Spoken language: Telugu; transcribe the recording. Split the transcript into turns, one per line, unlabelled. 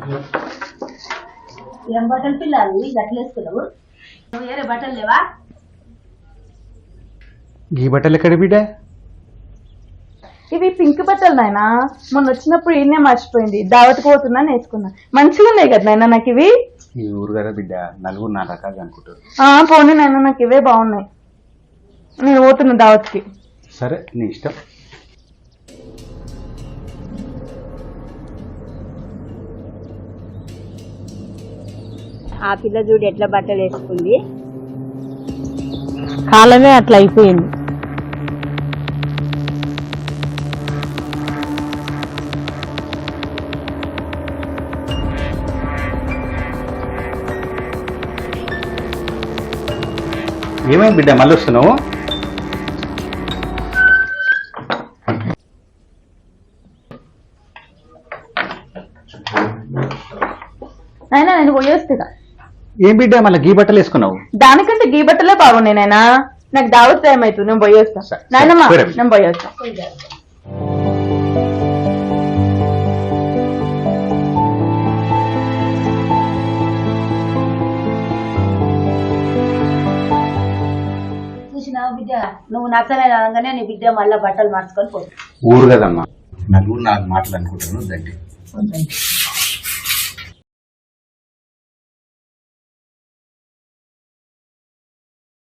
ఏం బట్టలు పిల్లలు గట్లు వేసుకున్నావు? వేరే బట్టలు లేవా?
ఈ బట్టలు ఎక్కడ బిడ్డ?
ఇవి పింక్ బట్టలు నాయన. మొన్న వచ్చినప్పుడు ఈయనే మర్చిపోయింది. దావత్కి పోతున్నా వేసుకున్నా. మంచిగా ఉన్నాయి కదా నాయన నాకు ఇవి.
ఈ ఊరు కదా బిడ్డ, నలుగురు నా రకాలు అనుకుంటారు.
పోనీ నాయన నాకు ఇవే బాగున్నాయి. నేను పోతున్నా దావత్కి.
సరే నీ ఇష్టం.
ఆ పిల్ల చూడు ఎట్లా బట్టలు వేసుకుంది.
కాలమే అట్లా అయిపోయింది.
ఏమైంది బిడ్డ మళ్ళీ వస్తున్నావు?
నాయన నేను పోయేస్తున్నా.
ఏం బిడ్డ మళ్ళీ గీ బట్టలు వేసుకున్నావు?
దానికంటే గీ బట్టలే బాగున్నాయి నాయన. నాకు దావత్ టైం అవుతుంది. నేను పోయేస్తా నాయనమ్మా. నేను పోయేస్తా.
చూసినావు బిడ్డ, నువ్వు నచ్చలేదు అనగానే నీ బిడ్డ మళ్ళీ బట్టలు మార్చుకొని పోతుంది.
ఊరు కదమ్మా, నలుగురు నాలుగు మాటలు అనుకుంటాను. దండి